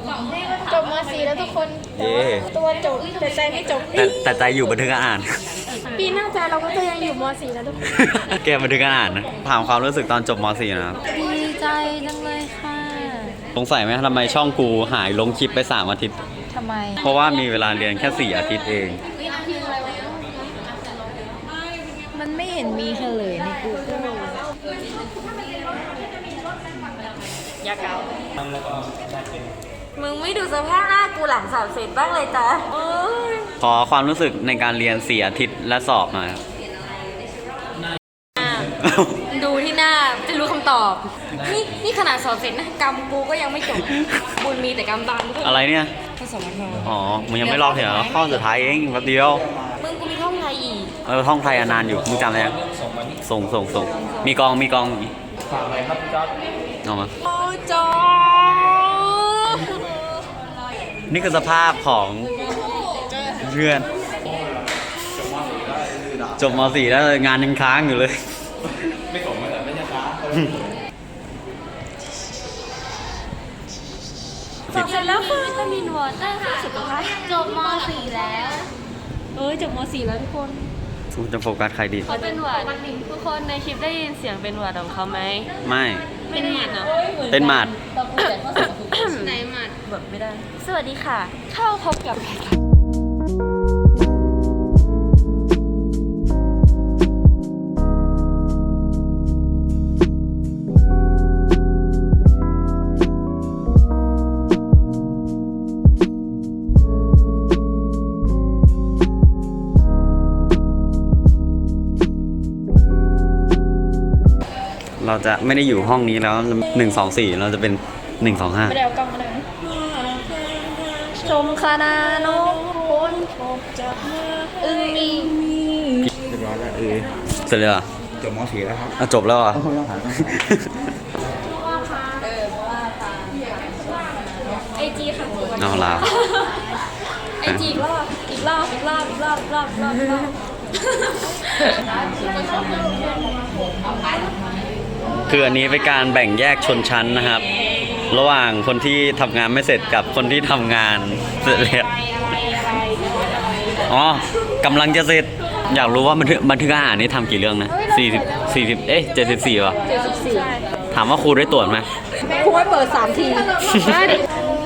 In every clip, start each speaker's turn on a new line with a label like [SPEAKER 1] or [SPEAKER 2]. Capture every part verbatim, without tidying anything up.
[SPEAKER 1] จบม .สี่ แล้วทุกคน
[SPEAKER 2] เย่
[SPEAKER 1] ตัวจบแต่ใจไม่จบ
[SPEAKER 2] แต่แต่ใจอยู่บันทึกการอ่าน
[SPEAKER 1] ปีหน้าใจเราก็จะยังอยู่ม .สี่ แล้วทุกคน
[SPEAKER 2] แกบันทึกการอ่านนะถามความรู้สึกตอนจบม .สี่ นะครับ
[SPEAKER 3] ดีใจจังเลยค่ะ
[SPEAKER 2] สงสัยไหมทำไมช่องกูหายลงคลิปไปสามอาทิตย์
[SPEAKER 3] ทำไม
[SPEAKER 2] เพราะว่ามีเวลาเรียนแค่สี่อาทิตย์เอง
[SPEAKER 3] มันไม่เห็นมีเฉลยใน Google
[SPEAKER 1] ยาเกา
[SPEAKER 3] มึงไม่ดูสภาพหน้ากูหลังสอบเสร็จบ้างเลยจ้ะโอ้ย
[SPEAKER 2] ขอความรู้สึกในการเรียนสี่อาทิตย์และสอบหน่อยครับ
[SPEAKER 3] ดูที่หน้าจะรู้คำตอบ นี่นี่ขนาดสอบเสร็จนะกรรมกูก็ยังไม่จบ บุญมีแต่กรรมบานด้วย
[SPEAKER 2] อะไรเนี่ย
[SPEAKER 3] ผสมกัน
[SPEAKER 2] อ๋อ มึงยังไม่ลอกเหรอข้อสุดท้ายเองแป๊บเดียว
[SPEAKER 3] มึงกูมีท่องไงอีก
[SPEAKER 2] เออท่องไทยอนานอยู่ มึงจำอะไรยังส่งส่งส่ง มีกอง มีกองฝากอะไรครับพี่จ๊อบเอามา
[SPEAKER 3] โอ้จอ
[SPEAKER 2] นี่คือสภาพของเพื่อน จบม .สี่ แล้วงานยังค้างอยู่เลย ไม่ส่งมาแต่ไม่ใช่ค้าง
[SPEAKER 3] สอบเสร็จแล้วค่ะวิตามินวอเตอร์ค่ะสุขภาพจบม .สี่ แล้ว
[SPEAKER 1] เอ้ยจบม .สี่ แล้วทุกคน
[SPEAKER 2] กูจะโฟกัสใครดี
[SPEAKER 4] เขาเป็นหวัดทุกคนในคลิปได้ยินเสียงเป็นหวัดของเขาไหม
[SPEAKER 2] ไม่
[SPEAKER 4] ไม่ได้ยินเนาะ
[SPEAKER 2] เป็นหมัด
[SPEAKER 4] ไหนหมัดแบบไม่ได้ สวัสดีค่ะ เข้าพบกับ
[SPEAKER 2] เราจะไม่ได้อยู่ห้องนี้แล้วหนึ่งสองสี่เราจะเป็นหนึ่งสองห้า
[SPEAKER 1] ไม่ได้เอากล้องมาเลยชมคณะนกพ้นพบจากเมื่ออึ้งมี
[SPEAKER 5] เรียบร้อยแล้วเออ
[SPEAKER 2] เสร็จเลยเหรอ
[SPEAKER 5] จบม .สี่ แล้วครับ
[SPEAKER 2] อ่ะจบแล้วเหรอ่ะ
[SPEAKER 5] ต้องหาต้องหา
[SPEAKER 1] ไอจีค่ะ
[SPEAKER 2] เอาละ
[SPEAKER 1] ไอจีอีกรอบอีกรอบอีกรอบอีกรอบอีกรอบอีกรอบอีกรอบ
[SPEAKER 2] คืออันนี้เป็นการแบ่งแยกชนชั้นนะครับ ระหว่างคนที่ทำงานไม่เสร็จกับคนที่ทำงานเสร็จแล้วอ๋อกำลังจะเสร็จ อยากรู้ว่าบันทึกบันทึกอาหารนี่ทำกี่เรื่องนะสี่สิบสี่สิบเอ๊ะเจ็ดสิบสี่ป่ะ
[SPEAKER 1] เจ็ดสิบสี่
[SPEAKER 2] ถามว่าครูได้ตรวจไหม
[SPEAKER 1] ครูให้เปิดสามทีได้ดิ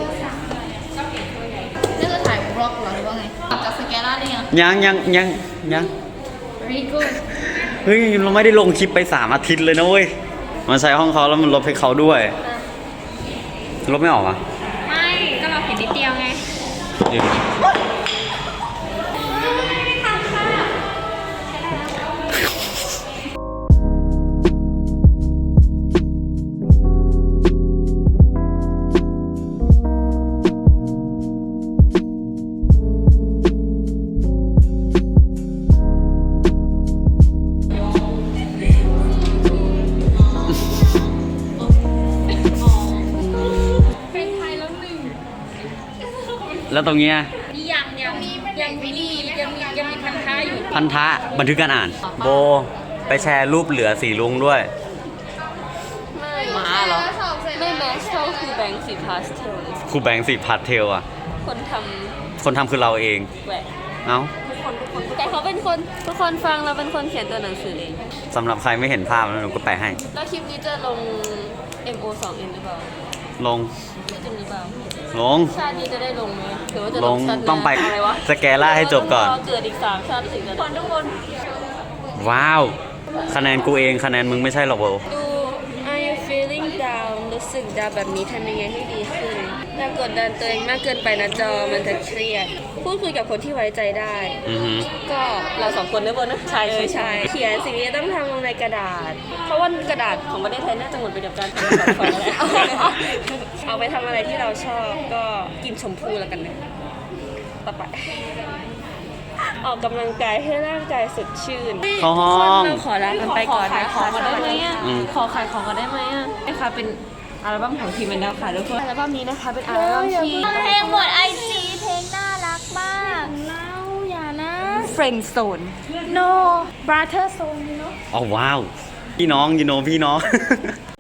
[SPEAKER 3] นี่คือถ่ายบล็อกเหรอหรือว่าไงจากสแกนล่าได้ยัง
[SPEAKER 2] ยังยังยังยัง
[SPEAKER 3] very good
[SPEAKER 2] เฮ้ยเราไม่ได้ลงคลิปไปสามอาทิตย์เลยนะเว้ยมันใช้ห้องเขาแล้วมันลบให้เขาด้วยลบไม่ออกอ่ะ
[SPEAKER 1] ไม่ก็เราเห็นนิดเดียวไง
[SPEAKER 2] เดี๋ยวแล้วตรงเนี้ย
[SPEAKER 1] ยังยังยังมีนี่ยังมียังมีพันท้ายอยู่
[SPEAKER 2] พันธะบันทึกการอ่าน โบไปแชร์รูปเหลือสีลุงด้วย
[SPEAKER 4] ไม่หมาเหรอ ไม่แมสเท่าคือแบงค์สีพาสเทล
[SPEAKER 2] ครูแบงค์สีพัดเทลอ่ะ
[SPEAKER 4] คนท
[SPEAKER 2] คนทำคือเราเอง
[SPEAKER 4] ำแหวก
[SPEAKER 2] เอ้า
[SPEAKER 4] ทุกคนทุกคนแต่เขาเป็นคนทุกคนฟังเราเป็นคนเขียนตัวหนังสือเอง
[SPEAKER 2] สำหรับใครไม่เห็นภาพแล้วหนูก็แปะให้
[SPEAKER 4] แล้วคลิปนี้จะลง เอ็ม โอ สอง เอ็น หรือเปล่า
[SPEAKER 2] ลง
[SPEAKER 4] ไม่จะมีเปล่า
[SPEAKER 2] ลง
[SPEAKER 4] ชาตินี้จะได้ลงไหมหรือว่าจะ
[SPEAKER 2] ล
[SPEAKER 4] ล
[SPEAKER 2] ง
[SPEAKER 4] งชาติหน้า
[SPEAKER 2] ต้องไป
[SPEAKER 4] อะไรวะ
[SPEAKER 2] สแกล่าให้จบก่อน
[SPEAKER 4] รเกิดอีกสามชาติถึงจะได้ทุกคน
[SPEAKER 2] ว้าว คะแนนกูเองคะแนนมึงไม่ใช่หรอกโบ
[SPEAKER 4] ดู Are you feeling down รู้สึกดาวแบบนี้ทำยังไงให้ดีขึ้นอย่ากดดันตัวเองมากเกินไปนะจอมันจะเครียด พูดคุยกับคนที่ไว้ใจได้
[SPEAKER 2] อือฮึ
[SPEAKER 4] ก็เราสองคนได้บนนะใช่ใช่ใช่เขียนสิ่งที่ต้องทำลงในกระดาษ เพราะว่ากระดาษของประเทศไทยน่าจะหมดไปกับการทำแบบฟองแล้วเอาไปทำอะไรที่เราชอบก็กินชมพู่แล้วกันนะต่อไปออกกำลังกายให้ร่างกายสดชื่น
[SPEAKER 2] เข้าห้อง
[SPEAKER 4] เราขอลากันไปก่อนนะ
[SPEAKER 3] ขอขายของก่อนได้ไหมอะ
[SPEAKER 2] อืม
[SPEAKER 4] ขอขายของก่อนได้ไหมอ่ะนี่ค่ะเป็นอัลบั้มของทีมแมนดาวค่ะทุกคนอัลบั้มนี้นะคะเป็นอัลบั้มที่
[SPEAKER 3] เพลงหมดไอจีเพลงน่ารักมาก
[SPEAKER 1] เล่าอย่านะ
[SPEAKER 4] Friend Zone
[SPEAKER 1] no brother zone เนาะ
[SPEAKER 2] อ๋อว้าว พี่น้องยูโนพี่น้อง